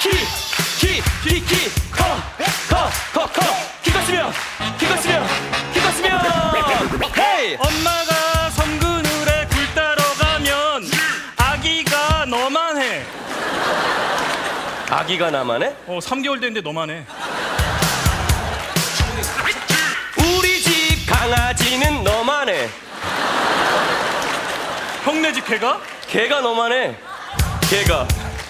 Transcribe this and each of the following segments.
헤이! 엄마가 섬그늘에 굴 따러 가면 아기가 너만 해. 아기가 나만 해? 3개월 됐는데 너만 해. 우리 집 강아지는 너만 해. 형네 집 개가? 개가 너만 해. 개가.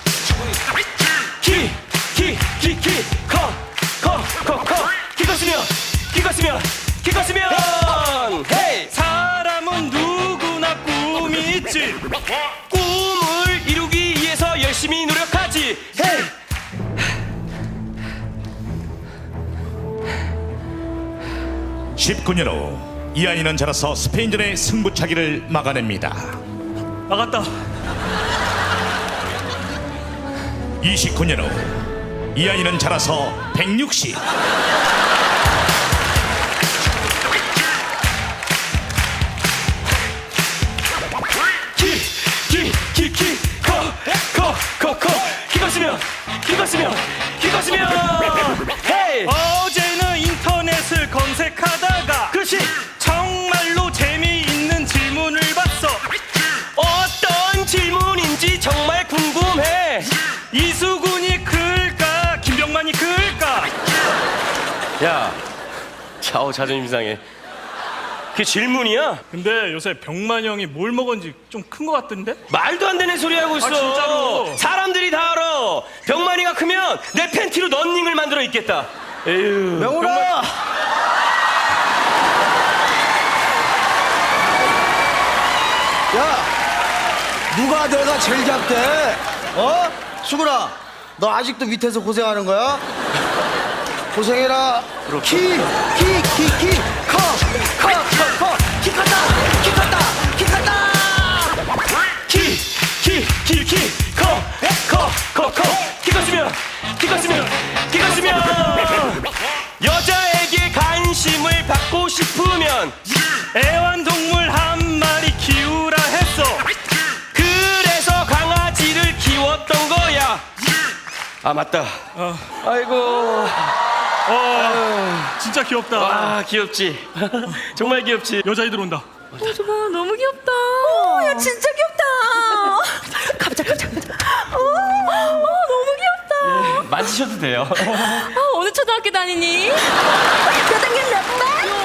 키 컸으면 헤이! 사람은 누구나 꿈이 있지. 꿈을 이루기 위해서 열심히 노력하지. 헤이! 19년 후 이 아이는 자라서 스페인전의 승부차기를 막아냅니다. 나갔다. 29년 후 이 아이는 자라서 160. 키 컸으면 헤이! 어제는 인터넷을 검색하다가 그렇지. 정말로 재미있는 질문을 봤어. 어떤 질문인지 정말 궁금해. 이수근이 클까 김병만이 클까? 야, 자오 자존심 상해. 그게 질문이야? 근데 요새 병만 형이 뭘 먹었는지 좀 큰 것 같던데? 말도 안 되는 소리 하고 있어. 진짜로? 사람들이 다 알아. 병만이가 크면 내 팬티로 런닝을 만들어 입겠다. 에휴. 명훈아! 야! 누가 내가 제일 작대? 수근아, 너 아직도 밑에서 고생하는 거야? 고생해라. 키 컸다! 키 컸다! 키 컸으면 여자에게 관심을 받고 싶으면 애완동물 한 마리 키우라 했어. 그래서 강아지를 키웠던 거야. 아 맞다. 아이고. 진짜 귀엽다. 아 귀엽지. 정말 귀엽지. 여자애들 온다. 저거 너무 귀엽다. 야 진짜 귀엽다. 가보자. 너무 귀엽다. 만지셔도 돼요. 어느 초등학교 다니니? 몇 학년 몇 반?